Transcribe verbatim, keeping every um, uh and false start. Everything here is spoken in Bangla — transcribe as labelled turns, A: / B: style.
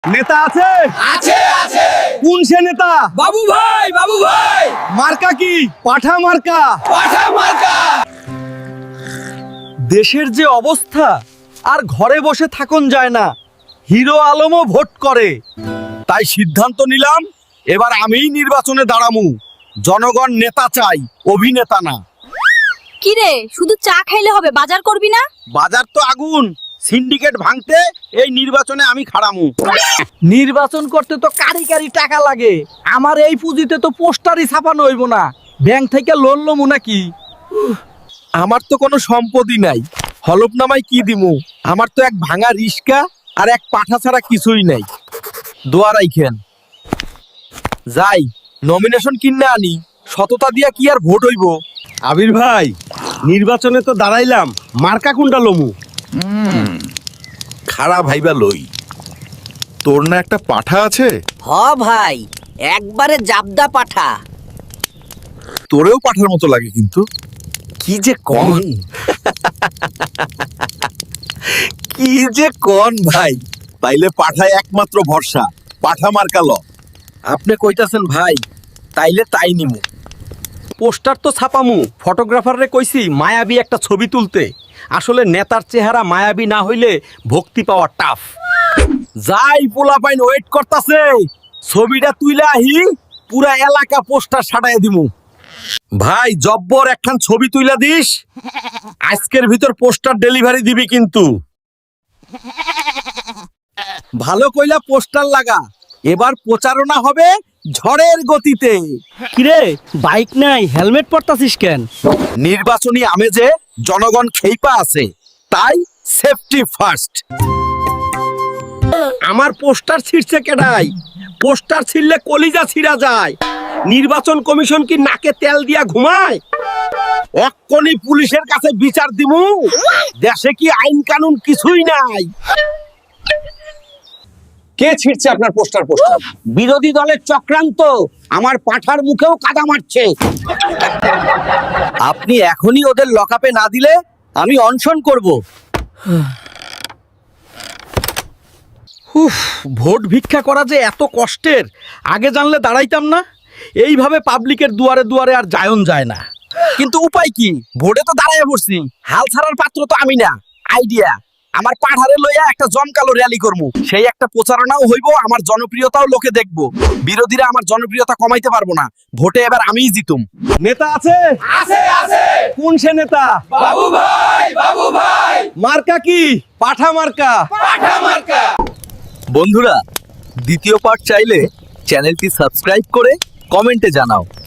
A: নেতা আছে
B: আছে আছে
A: কোন সে নেতা?
B: বাবু ভাই বাবু ভাই
A: মার্কা কি? পাঠা মার্কা।
B: পাঠা মার্কা।
A: দেশের যে অবস্থা, আর ঘরে বসে থাকুন যায় না। হিরো আলমও ভোট করে। তাই সিদ্ধান্ত নিলাম, এবার আমিই নির্বাচনে দাঁড়ামু। জনগণ নেতা চাই, অভিনেতা না।
C: কি রে, শুধু চা খাইলে হবে, বাজার করবি না?
A: বাজার তো আগুন, সিন্ডিকেট ভাঙতে এই নির্বাচনে আমি খাড়ামু।
D: নির্বাচন করতে তো কারি কারি টাকা লাগে। আমার এই পুঁজিতে তো পোস্টারই ছাপানো হইব না। ব্যাংক থেকে লোন লমু নাকি?
A: আমার তো কোনো সম্পত্তি নাই, হলফনামায় কি দিমু? আমার তো এক ভাঙা রিস্কা আর এক পাঠা ছাড়া কিছুই নাই। দোয়া রাইখেন। যাই নমিনেশন কিনে আনি, সততা দিয়া কি আর ভোট হইব? আবির ভাই, নির্বাচনে তো দাঁড়াইলাম, মার্কা কোনটা লমু?
E: খারাপ ভাইবা লই। তোর না একটা পাঠা আছে?
F: হ ভাই, একবারে জাবদা পাঠা।
E: তোরেও পাঠার মতো লাগে কিন্তু।
A: কি যে কন কি যে কন ভাই।
E: তাইলে পাঠায় একমাত্র ভরসা, পাঠা মার্কা ল।
A: আপনি কইতাছেন ভাই, তাইলে তাই নিমু। পোস্টার তো ছাপামু, ফটোগ্রাফাররে কইছি মায়াবী একটা ছবি তুলতে। আসলে নেতার চেহারা মায়াবী না হইলে ভক্তি পাওয়া টাফ। যাই পোলাপাইন ওয়েট করতাছে, ছবিটা তুইলা আহি, পুরা এলাকা পোস্টার সাটাই দিমু। ভাই জব্বর একখান ছবি তুইলা দিস, আজকের ভিতর পোস্টার ডেলিভারি দিবি কিন্তু। ভালো কইলা পোস্টার লাগা, এবার প্রচারণা হবে ঝড়ের গতিতে।
D: কিরে, বাইক নাই, হেলমেট পরতাছিস কেন?
A: নির্বাচনী আমেজে জনগণ খেইপা আছে, তাই সেফটি ফার্স্ট। আমার পোস্টার ছিঁড়ছে কেডাই? পোস্টার ছিঁড়লে কলিজা ছিঁড়া যায়। নির্বাচন কমিশন কি নাকে তেল দিয়া ঘুমায়? অক্ষণি পুলিশের কাছে বিচার দিমু। দেশে কি আইন কানুন কিছুই নাই। কে ছিঁড়ছে আপনার পোস্টার? পোস্টার বিরোধী দলের চক্রান্ত। আমার পাঠার মুখেও কাদা মারছে। আপনি এখনই ওদের লকআপে না দিলে আমি অনশন করব। উফ, ভোট ভিক্ষা করা যে এত কষ্টের, আগে জানলে দাঁড়াইতাম না। এইভাবে পাবলিকের দুয়ারে দুয়ারে আর যায়ন যায় না। কিন্তু উপায় কি? ভোটে তো দাঁড়াইয়া পড়ছি, হাল ছাড়ার পাত্র তো আমি না। আইডিয়া, আমার পাঠারে লইয়া একটা জমকালো র্যালি করবো। সেই একটা প্রচারণাও হইব, আমার জনপ্রিয়তাও লোকে দেখবো। বিরোধীরা আমার জনপ্রিয়তা কমাইতে পারবো না। ভোটে এবার আমিই জিতুম। নেতা আছে
B: আছে আছে
A: কোন সে নেতা?
B: বাবু ভাই বাবু ভাই
A: মার্কা কি? পাঠা মার্কা।
B: পাঠা মার্কা।
A: বন্ধুরা, দ্বিতীয় পার্ট চাইলে চ্যানেলটি সাবস্ক্রাইব করে কমেন্টে জানাও।